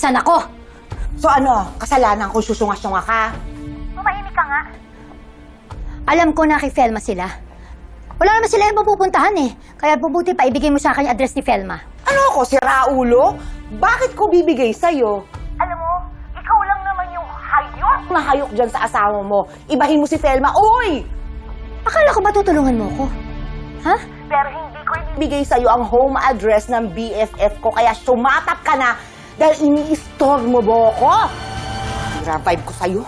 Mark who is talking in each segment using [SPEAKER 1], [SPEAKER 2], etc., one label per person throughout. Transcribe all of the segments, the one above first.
[SPEAKER 1] Nasaan ako?
[SPEAKER 2] So ano, kasalanan ko susunga-sunga ka?
[SPEAKER 1] Tumahimik ka nga. Alam ko na kay Felma sila. Wala naman sila yung mapupuntahan eh. Kaya bubuti pa ibigay mo sa akin yung address ni Felma.
[SPEAKER 2] Ano ako, si Raulo? Bakit ko bibigay sa'yo? Alam mo, ikaw lang naman yung hayok na hayok dyan sa asawa mo. Ibahin mo si Felma. Uy!
[SPEAKER 1] Akala ko ba tutulungan mo ko? Ha?
[SPEAKER 2] Pero hindi ko ibibigay sa'yo ang home address ng BFF ko, kaya sumatap ka na dahil ini-store mo ba ako? Vibe ko sa'yo.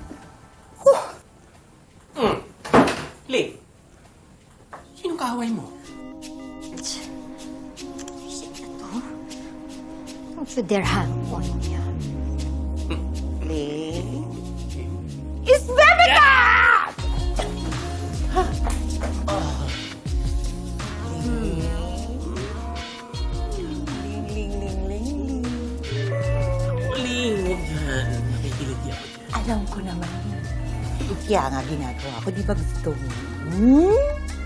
[SPEAKER 3] Lee, sinong kaaway mo?
[SPEAKER 1] Don't you dare hang on me.
[SPEAKER 2] Lee? It's Bebeka!
[SPEAKER 3] Lee, huwag yan. Nakikilig ako dyan.
[SPEAKER 2] Alam ko naman. Kaya nga ginagawa ko, di ba gusto mo? Hmm?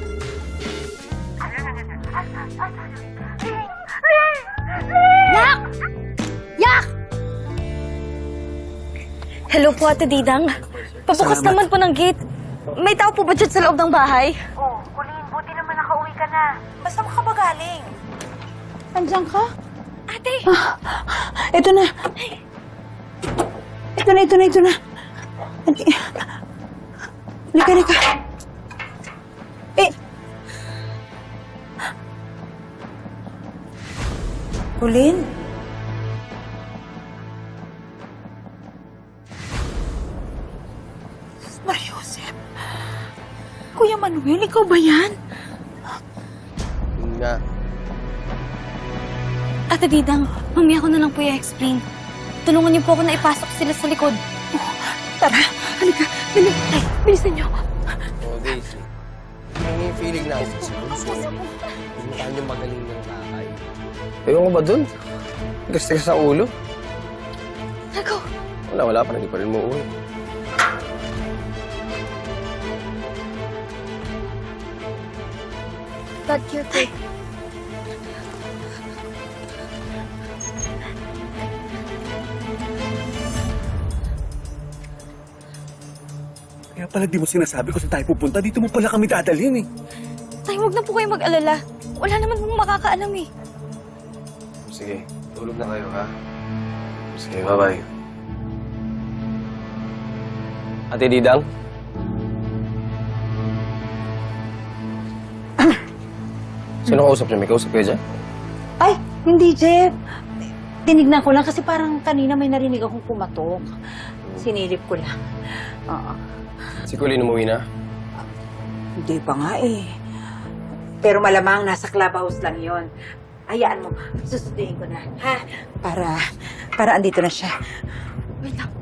[SPEAKER 1] Yak! Yak!
[SPEAKER 4] Hello po, Ate Didang. Pabukas naman po ng gate. May tao po ba dyan sa loob ng bahay?
[SPEAKER 5] Oh, Colleen, buti naman nakauwi ka na. Basta ka ba galing?
[SPEAKER 2] Andiyan ka?
[SPEAKER 4] Ate!
[SPEAKER 2] Ito na. Ito na. Lika. Colleen? Mariosep? Kuya Manuel, ikaw ba yan?
[SPEAKER 3] Nga.
[SPEAKER 4] Ate Didang, mamaya ko na lang po i-explain. Tulungan niyo po ako na ipasok sila sa likod.
[SPEAKER 2] Tara, halika. Dali.
[SPEAKER 4] Ay, bilisan niyo.
[SPEAKER 3] Oh, Daisy. Ano yung feeling natin sa bunso? Pinuntahan yung magaling ng tatay. Ewan ko ba dun? Tigas-tigas sa ulo.
[SPEAKER 4] Nako.
[SPEAKER 3] Wala pa. Hindi pa rin mo uwi.
[SPEAKER 4] God, careful.
[SPEAKER 6] Kaya pala di mo sinasabi kung saan tayo pupunta. Dito mo pala kami dadalhin eh.
[SPEAKER 4] Tay, huwag na po kayo mag-alala. Wala naman pong makakaalam eh.
[SPEAKER 3] Sige, tulog na kayo, ha? Sige, bye-bye. Ate Didang? Sino kausap niyo? May kausap kayo dyan?
[SPEAKER 2] Ay, hindi, Jeff. Tinignan ko lang kasi parang kanina may narinig akong pumatok. Sinilip ko lang. Oo.
[SPEAKER 3] Si Colleen umuwi na?
[SPEAKER 2] Hindi pa nga eh. Pero malamang nasa clubhouse lang yon. Hayaan mo, susunduin ko na, ha? Para andito na siya.
[SPEAKER 4] Wait lang.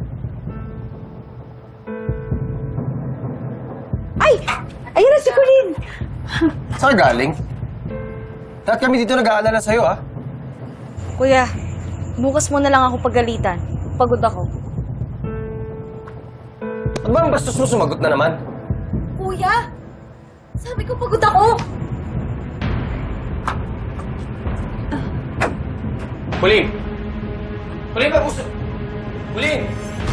[SPEAKER 2] Ay! Ayun na si Colleen!
[SPEAKER 3] Saan ka galing? Lahat kami dito nag-aalala sa'yo, ha?
[SPEAKER 4] Kuya, bukas mo na lang ako pagalitan. Pagod ako.
[SPEAKER 3] Ano ba ang bastos mo sumagot na naman?
[SPEAKER 4] Kuya! Sabi ko pagod ako!
[SPEAKER 3] Colleen! Colleen, mag-usap! Colleen!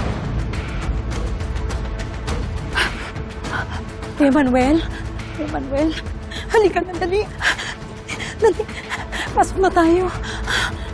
[SPEAKER 2] Kuya Manuel? Kuya Manuel? Halika na, dali. Dali. Pasok na tayo.